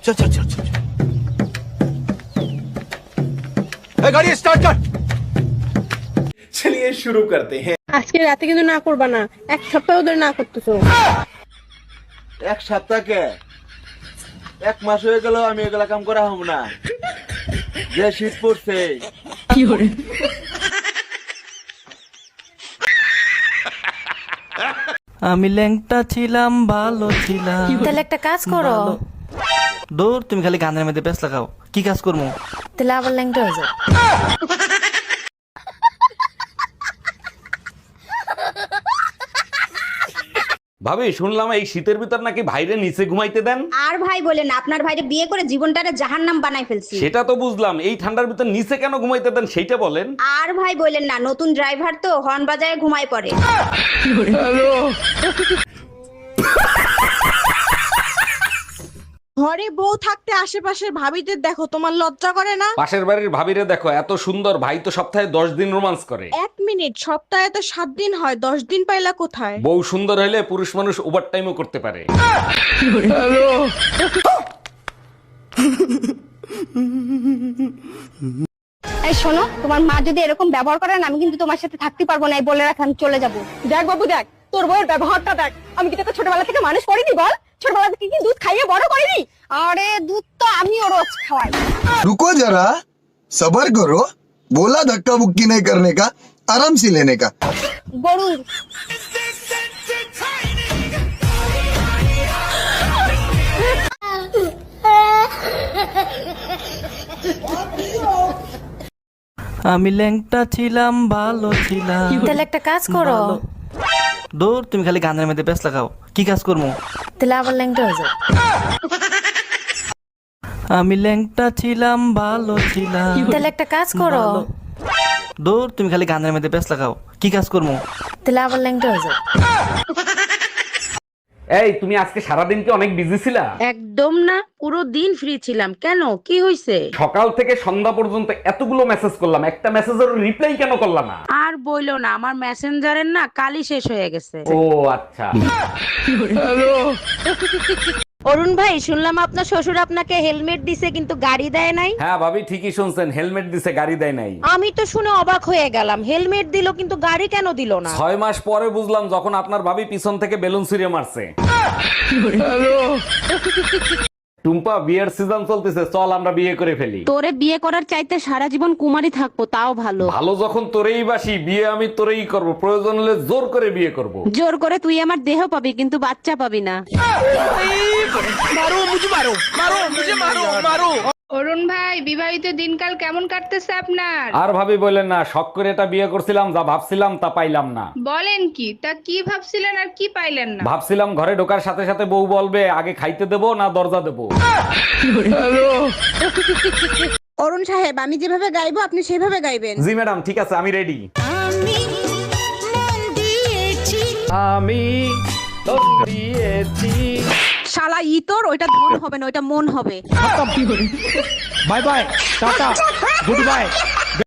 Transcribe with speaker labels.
Speaker 1: चल चल चल चल गाड़ी स्टार्ट कर।
Speaker 2: चलिए शुरू करते हैं।
Speaker 3: আজকে রাতে কিন্তু না করবা না, এক সপ্তাহ ধরে না করতেছো।
Speaker 4: এক সপ্তাহকে এক মাস হয়ে গেল আমি এগুলা কাম করা হব না, যে শীত পড়ছে।
Speaker 5: আমি ল্যাংটা ছিলাম, ভালো ছিলাম।
Speaker 6: তাহলে একটা কাজ করো।
Speaker 5: দূর, তুমি খালি গানের মধ্যে ব্যস্ত লাগাও। কি কাজ করবো?
Speaker 6: তাহলে আবার ল্যাংটা হয়ে যাও।
Speaker 7: ভাবি, শুনলাম এই শীতের ভিতর নাকি ভাইরে নিচে ঘুমাইতে দেন।
Speaker 8: আর ভাই বলেন না, আপনার ভাইরে বিয়ে করে জীবনটারে জাহান্নাম বানাই ফেলছি।
Speaker 7: সেটা তো বুঝলাম, এই ঠান্ডার ভিতর নিচে কেন ঘুমাইতে দেন সেইটা বলেন।
Speaker 8: আর ভাই বলেন না, নতুন ড্রাইভার তো হর্ন বাজায় ঘুমায় পড়ে।
Speaker 3: ঘরে বউ থাকতে আশেপাশের ভাবিদের দেখো, তোমার লজ্জা করে না?
Speaker 7: পাশের বাড়ির ভাবিরে দেখো, এত সুন্দর, ভাই তো সপ্তাহে 10 দিন রোমান্স করে।
Speaker 3: 1 মিনিট, সপ্তাহে তো 7 দিন হয়, 10 দিন পাইলা কোথায়?
Speaker 7: বউ সুন্দর হলে পুরুষ মানুষ ওভার টাইমও করতে পারে।
Speaker 8: এই শোনো, তোমার মা যদি এরকম ব্যবহার করেন, আমি কিন্তু তোমার সাথে থাকতে পারবো না, এই বলে রাখ, আমি চলে যাবো।
Speaker 3: দেখ বাবু দেখ, তোর বউয়ের ব্যবহারটা দেখ। আমি কি তোকে ছোটবেলা থেকে মানুষ করিনি বল? ছোটবেলা থেকে কি দুধ খাইয়ে বড় করিনি?
Speaker 8: আরে দুধ তো আমিও রোজ খাওয়াই।
Speaker 9: रुको जरा, सबर करो। बोला धक्का बुक्की नहीं करने का, आराम से लेने का।
Speaker 8: গরু
Speaker 5: আমি ল্যাংটা ছিলাম, ভালো ছিলাম।
Speaker 6: তাহলে একটা কাজ করো।
Speaker 5: দূর, তুমি খালি গানের মধ্যে ব্যস্ত লাগাও। কি কাজ করবো?
Speaker 6: তাহলে আবার ল্যাংটা হয়ে যাও।
Speaker 5: আমি ল্যাংটা ছিলাম, ভালো ছিলাম।
Speaker 6: তাহলে একটা কাজ করো।
Speaker 5: দূর, তুমি খালি গানের মধ্যে ব্যস্ত লাগাও। কি কাজ করবো?
Speaker 6: তাহলে আবার ল্যাংটা হয়ে যাও।
Speaker 7: এই, তুমি আজকে সারাদিন কি অনেক বিজি ছিলা?
Speaker 10: একদম না, পুরো দিন ফ্রি ছিলাম। কেন, কি হয়েছে?
Speaker 7: সকাল থেকে সন্ধ্যা পর্যন্ত এতগুলো মেসেজ করলাম, একটা মেসেজের রিপ্লাই কেন করলাম না?
Speaker 10: আর বইলো না, আমার মেসেঞ্জারের না কালই শেষ হয়ে গেছে।
Speaker 7: ও আচ্ছা।
Speaker 10: অরুণ ভাই, শুনলাম আপনার শ্বশুর আপনাকে হেলমেট দিছে কিন্তু গাড়ি দেয় নাই।
Speaker 7: হ্যাঁ ভাবি, ঠিকই শুনছেন, হেলমেট দিছে, গাড়ি দেয় নাই।
Speaker 10: আমি তো শুনে অবাক হয়ে গেলাম, হেলমেট দিল কিন্তু গাড়ি কেন দিল না?
Speaker 7: 6 মাস পরে বুঝলাম, যখন আপনার ভাবি পিছন থেকে বেলুন ছুঁড়ে মারছে। টুম্পা, বিয়ের সিজন চলতেছে, চল আমরা বিয়ে করে ফেলি।
Speaker 10: তোরে বিয়ে করার চাইতে সারা জীবন কুমারী থাকবো তাও ভালো।
Speaker 7: ভালো যখন তোরেই বাসি, বিয়ে আমি তোরেই করব, প্রয়োজন হলে জোর করে বিয়ে করব।
Speaker 10: জোর করে তুই আমার দেহ পাবি কিন্তু বাচ্চা পাবি না।
Speaker 11: অরুণ ভাই, বিবাহিত দিনকাল কেমন কাটতেছে আপনার?
Speaker 7: আর ভাবি বললেন না, শখ করে এটা বিয়ে করছিলাম, যা ভাবছিলাম তা পাইলাম না।
Speaker 11: বলেন কি? তা কি ভাবছিলেন আর কি পাইলেন না?
Speaker 7: ভাবছিলাম ঘরে ঢোকার সাথে সাথে বউ বলবে, আগে খাইতে দেবো না দরজা দেবো।
Speaker 3: অরুণ সাহেব, আমি যেভাবে গাইবো আপনি সেভাবে গাইবেন।
Speaker 7: জি ম্যাডাম, ঠিক আছে, আমি রেডি। আমি দিয়েছি।
Speaker 10: শালা ইতর, ওইটা ধন হবে না, ওইটা মন হবে।
Speaker 1: Bye bye, tata, good bye.